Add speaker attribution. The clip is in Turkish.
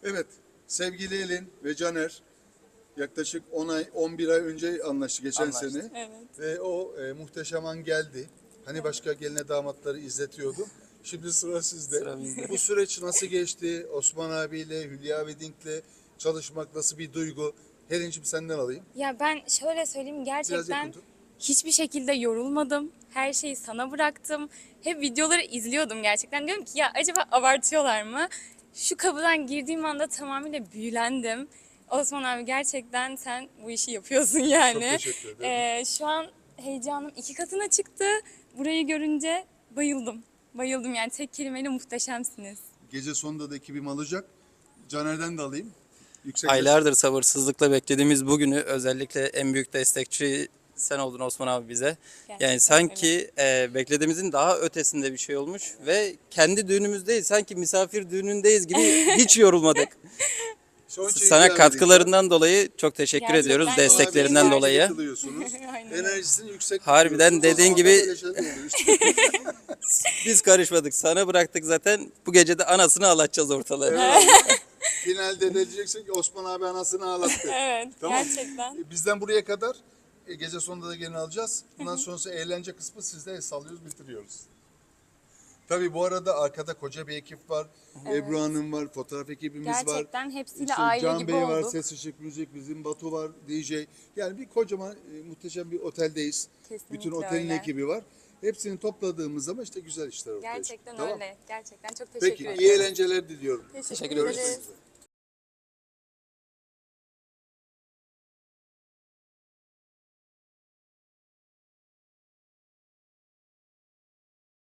Speaker 1: Evet, sevgili Elin ve Caner yaklaşık 10 ay, 11 ay önce anlaştı geçen
Speaker 2: Anlaştık.
Speaker 1: sene.
Speaker 3: Evet.
Speaker 1: Ve o muhteşem an geldi. Hani başka geline damatları izletiyordum. Şimdi sıra sizde.
Speaker 2: Sıra bizde.
Speaker 1: Bu süreç nasıl geçti? Osman abiyle, Hülya Wedding'le çalışmak nasıl bir duygu? Helincim senden alayım.
Speaker 3: Ya ben şöyle söyleyeyim,
Speaker 1: Biraz
Speaker 3: gerçekten
Speaker 1: yakın tut.
Speaker 3: hiçbir şekilde yorulmadım. Her şeyi sana bıraktım. Hep videoları izliyordum gerçekten. Diyorum ki ya acaba abartıyorlar mı? Şu kapıdan girdiğim anda tamamıyla büyülendim. Osman abi gerçekten sen bu işi yapıyorsun yani.
Speaker 1: Çok teşekkür ederim.
Speaker 3: Şu an heyecanım 2 katına çıktı. Burayı görünce bayıldım. Bayıldım yani, tek kelimeyle muhteşemsiniz.
Speaker 1: Gece sonunda da ekibim alacak. Caner'den de alayım. Yüksek
Speaker 2: Aylardır sabırsızlıkla beklediğimiz bugünü, özellikle en büyük destekçi sen oldun Osman abi bize.
Speaker 3: Gerçekten
Speaker 2: Yani sanki beklediğimizin daha ötesinde bir şey olmuş ve kendi düğünümüzdeyiz, sanki misafir düğünündeyiz gibi hiç yorulmadık.
Speaker 1: Son şeyi
Speaker 2: Sana
Speaker 1: Hülya
Speaker 2: katkılarından dolayı çok teşekkür
Speaker 3: Gerçekten
Speaker 2: ediyoruz,
Speaker 3: çok
Speaker 2: desteklerinden
Speaker 3: teşekkür
Speaker 2: dolayı.
Speaker 1: katılıyorsunuz.
Speaker 3: Aynen öyle.
Speaker 1: Enerjisini yüksek
Speaker 2: Harbiden
Speaker 1: tutuyorsunuz.
Speaker 2: dediğin
Speaker 1: Ama
Speaker 2: gibi-
Speaker 1: böyle şeyler oluyor işte.
Speaker 2: Biz karışmadık, sana bıraktık zaten. Bu gece de anasını ağlatacağız ortalığı.
Speaker 1: Evet. Finalde de diyeceksin ki Osman abi anasını ağlattı.
Speaker 3: Evet,
Speaker 1: Tamam.
Speaker 3: gerçekten.
Speaker 1: Bizden buraya kadar gece sonunda da gelin alacağız. Bundan sonrası eğlence kısmı sizde el sallıyoruz, bitiriyoruz. Tabii bu arada arkada koca bir ekip var. Ebru Hanım var, fotoğraf ekibimiz var.
Speaker 3: Gerçekten hepsiyle
Speaker 1: İşte
Speaker 3: aile
Speaker 1: Can
Speaker 3: gibi
Speaker 1: Bey var,
Speaker 3: olduk.
Speaker 1: ses ışık müzik, bizim Batu var, DJ. Yani bir kocaman muhteşem bir oteldeyiz.
Speaker 3: Kesinlikle
Speaker 1: Bütün otelin
Speaker 3: öyle.
Speaker 1: ekibi var. Hepsini topladığımız zaman işte güzel işler ortaya çıkıyor.
Speaker 3: Gerçekten
Speaker 1: Tamam.
Speaker 3: öyle. Gerçekten çok teşekkür
Speaker 1: Peki
Speaker 3: ederim.
Speaker 1: iyi eğlenceler diliyorum.
Speaker 3: Teşekkür
Speaker 2: ediyoruz.
Speaker 3: ederiz.